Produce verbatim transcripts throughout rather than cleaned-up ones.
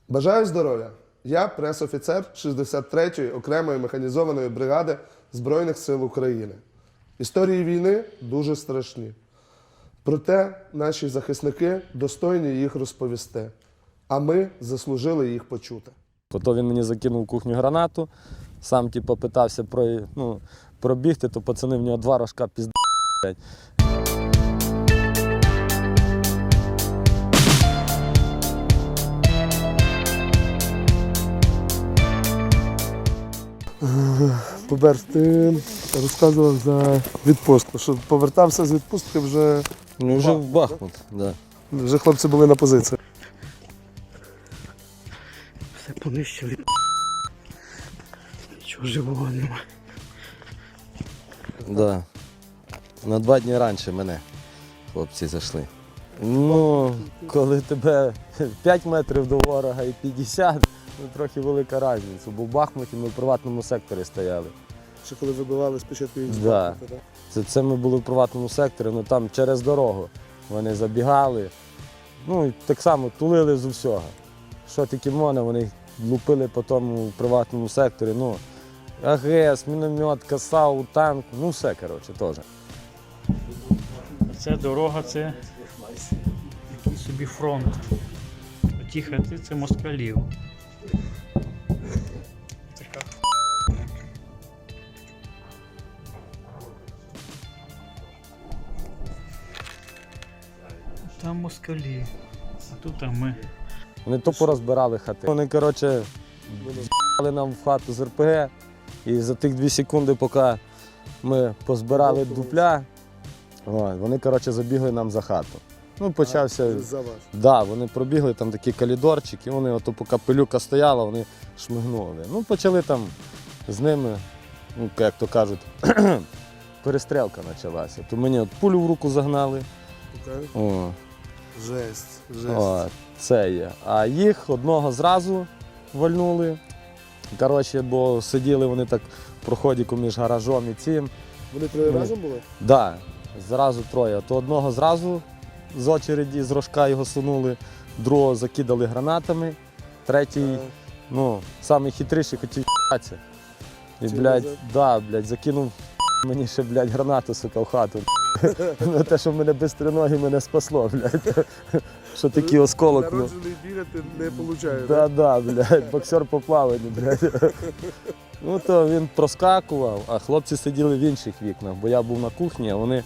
Бажаю здоров'я! Я прес-офіцер шістдесят третьої окремої механізованої бригади Збройних сил України. Історії війни дуже страшні. Проте наші захисники достойні їх розповісти, а ми заслужили їх почути. Потім він мені закинув в кухню гранату, сам типу, питався про, ну, пробігти, то пацани в нього два рожка пізд***. Поберж, ти розказував за відпустку, що повертався з відпустки вже... Ну, вже в Бахмут, да. Вже хлопці були на позиції. Все понищили. Нічого живого нема. Да. На два дні раніше мене хлопці зайшли. Ну, коли тебе п'ять метрів до ворога і п'ятдесят, ну трохи велика різниця. Бо в Бахмуті ми в приватному секторі стояли. Ще коли вибивали спочатку їх з Да. Бахмута, так? Це, це ми були в приватному секторі, ну там через дорогу вони забігали. Ну і так само тулили з усього. Що тільки можна, вони лупили по тому приватному секторі. Ну, АГС, міномет, КАСАУ, танк, ну все, коротше, теж. Це дорога, це такий собі фронт. Ті хати це москалів. Така. Там москалі, а тут а ми. Вони то порозбирали хати. Вони, коротше, з***ли нам в хату з РПГ. І за тих дві секунди, поки ми позбирали дупля, о, вони, коротше, забігли нам за хату. Ну, почався... За вас. Да, вони пробігли, там такий коридорчик, і вони, ото, поки пилюка стояла, вони шмигнули. Ну, почали там з ними, ну, як то кажуть, перестрілка почалася. То мені от пулю в руку загнали. Окей. О, Жесть, жесть. о, це є. А їх одного зразу вальнули. Коротше, бо сиділи вони так в проході між гаражом і цим. Вони троє Ми- разом були? Так, да, зразу троє. То одного зразу з очереді, з рожка його сунули, другого закидали гранатами, третій, Е, ну, самий хитріший хотів ***атися. І, Чи блядь, назад? да, блядь, закинув мені ще, блядь, гранату, сука, в хату. Ну, те, що мене без ноги мене спасло, блядь. Що такий осколок. Ну. Народжений бігати не виходить. Да, да, блядь, боксер по плаванню, блядь. Ну то він проскакував, а хлопці сиділи в інших вікнах, бо я був на кухні, а вони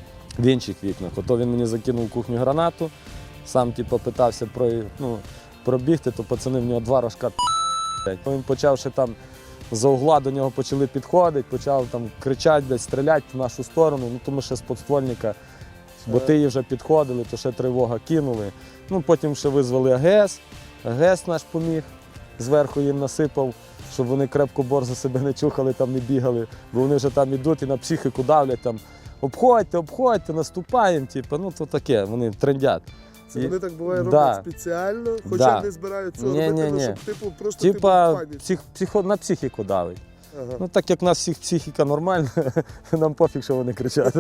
в інших вікнах. Ото він мені закинув в кухню гранату, сам типу, питався про, ну, пробігти, то пацани в нього два рожка блядь. Він почав ще там за угла до нього почали підходити, почав там кричати, десь стріляти в нашу сторону, ну тому що з подствольника, бо ти вже підходили, то ще тривога кинули. Ну потім ще визвали АГС, АГС наш поміг, зверху їм насипав, щоб вони крепко борзо себе не чухали, там не бігали, бо вони вже там ідуть і на психіку давлять, там обходьте, обходьте, наступаємо, типу, ну то таке, вони трендять. Це І- вони так буває Да. роблять спеціально, хоча Да. не збирають цього Ні, робити, ні, ну, ні. щоб типу просто Типа типу, в плані. псих, психо, на психіку давить. Ага. Ну так як в нас всіх психіка нормальна, нам пофіг, що вони кричать.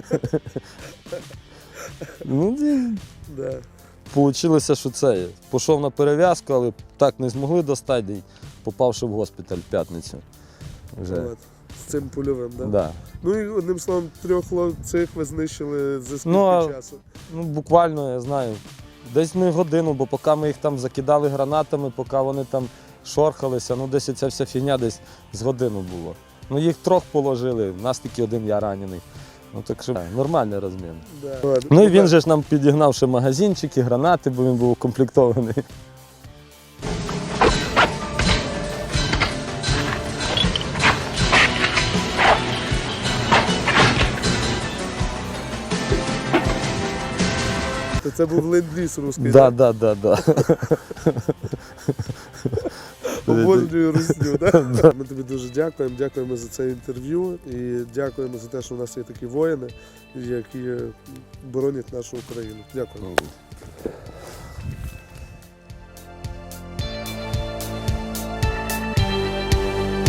Ну, і Да. Получилося, що це. Пішов на перев'язку, але так не змогли достати, і попавши в госпіталь в п'ятницю. Вже. От. З цим польовим, да? Да. Ну і одним словом, трьох цих ви знищили за скільки Ну, а- часу? Ну, буквально, я знаю, десь ми годину, бо поки ми їх там закидали гранатами, поки вони там шорхалися, ну десь ця вся фігня десь з годину було. Ну їх трьох положили, в нас тільки один я ранений. Ну так що нормальний розмін. Да. Ладно. Ну і він же ж нам підігнав ще магазинчики, гранати, бо він був укомплектований. То це був ленд-ліз русський. Да, да, да, да. Обожнюю русню, да? Ми тобі дуже дякуємо, дякуємо за це інтерв'ю і дякуємо за те, що у нас є такі воїни, які боронять нашу Україну. Дякуємо.